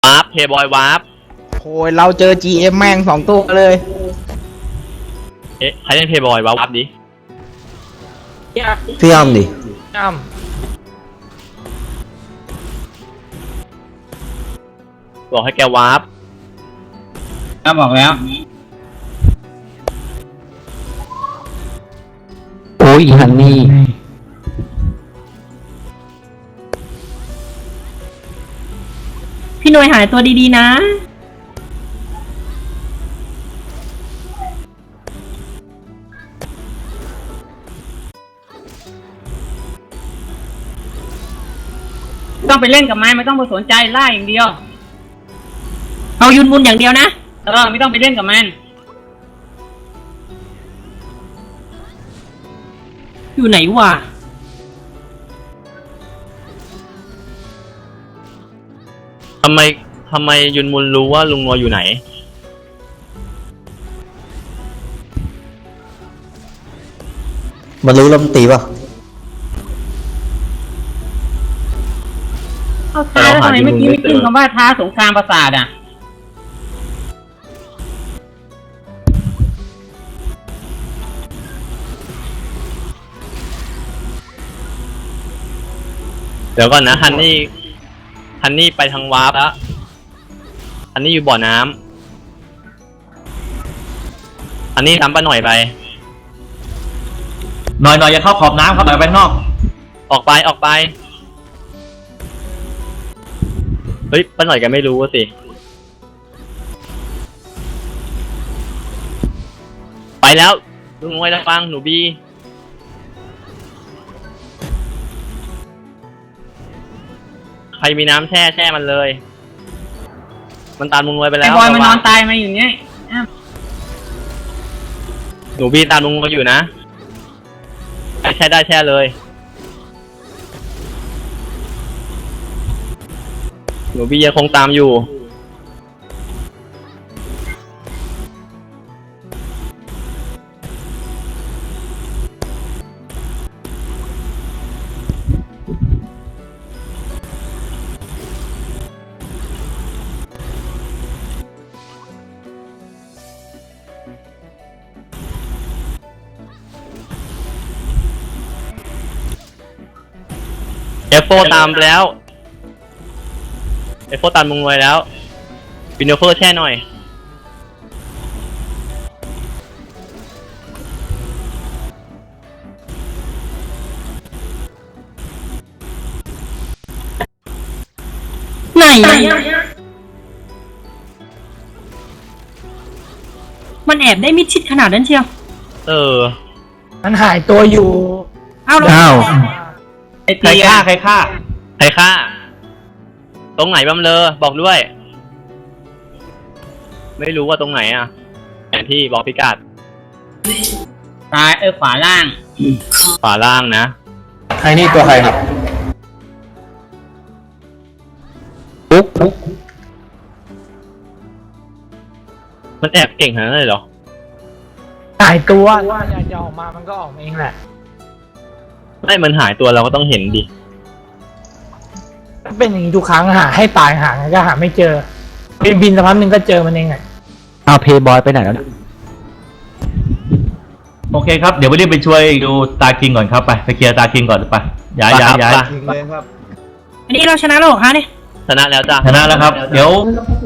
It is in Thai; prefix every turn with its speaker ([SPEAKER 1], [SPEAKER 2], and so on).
[SPEAKER 1] วาร์ปเพย์บอยวาร์ป
[SPEAKER 2] โอ้ยเราเจอ GM แม่ง2 ตัวเลย
[SPEAKER 1] เอ๊ะใครเล่นเพย์บอยวาร์ปดิ
[SPEAKER 3] พี่อ้ำดิ
[SPEAKER 1] บอกให้แกวาร์ป
[SPEAKER 4] บอกแล้ว
[SPEAKER 3] โอ้ยฮันนี่
[SPEAKER 5] พี่หน่วยหายตัวดีๆนะต้องไปเล่นกับมันไม่ต้องไปสนใจล่าอย่างเดียวเอายุนมุนอย่างเดียวนะไม่ต้องไปเล่นกับมันอยู่ไหนวะ
[SPEAKER 1] ทำไมยุนมุนรู้ว่าลุงนัวอยู่ไหน
[SPEAKER 3] มันรู้ลมตีป่ะ
[SPEAKER 5] เอาท้าแล้วทำไมเมื่อกี้ไม่ขึ้นคำว่าท้าสงครามประสาทอ่ะ
[SPEAKER 1] เดี๋ยวก่อนนะฮันนี่ไปทางวาร์ปแล้วฮันนี่อยู่บ่อน้ำฮันนี่ทำปะหน่อยไป
[SPEAKER 4] หน่อยอย่าเข้าขอบน้ำครับหน่อยไปนอก
[SPEAKER 1] ออกไปเฮ้ยปะหน่อยแกไม่รู้สิไปแล้วลุงไว้แล้วฟังหนูบีใครมีน้ำแช่มันเลยมันตามลุงไว้ไปแล้ว
[SPEAKER 5] ไอ้บอยมันนอนตายมาอยู่เนี้ย
[SPEAKER 1] หนูบีตามลุงไว้อยู่นะแช่ได้แช่เลยหนูบียังคงตามอยู่เอฟโฟตามแล้วเอฟโฟตามมึงไว้แล้ววินโดเฟอร์แช่หน่อย
[SPEAKER 5] ไหนมันแอบได้มิดชิดขนาดนั้นเชียว
[SPEAKER 2] มันหายตัวอยู่
[SPEAKER 5] อ้าว
[SPEAKER 4] ใครฆ่า
[SPEAKER 1] ตรงไหนบ้างเลยบอกด้วยไม่รู้ว่าตรงไหนอ่ะแผนที่บอกพิกัด
[SPEAKER 5] ซ้ายขวาล่าง
[SPEAKER 1] นะ
[SPEAKER 3] ไอ้นี่ตัวใครครับปุ๊บ
[SPEAKER 1] มันแอบเก่งขนาดนั้นเลยเหรอ
[SPEAKER 2] หายตัวว่าจะออกมามันก็ออกเองแหละ
[SPEAKER 1] ไม่มันหายตัวเราก็ต้องเห็นดิ
[SPEAKER 2] เป็นอย่างนี้ทุกครั้งหาให้ตายหาก็หาไม่เจอบินสักพักนึงก็เจอมันเองไง
[SPEAKER 3] เอาเพย์บอยไปไหนแล้ว
[SPEAKER 4] โอเคครับเดี๋ยวไปรีบไปช่วยดูตาคิงก่อนครับไปเคลียร์ตาคิงก่อนไปย้าย
[SPEAKER 5] อันนี้เราชนะแล้วเหรอคะเนี่ย
[SPEAKER 1] ชนะแล้วจ้ะ
[SPEAKER 4] ชนะแล้วครับเดี๋ยว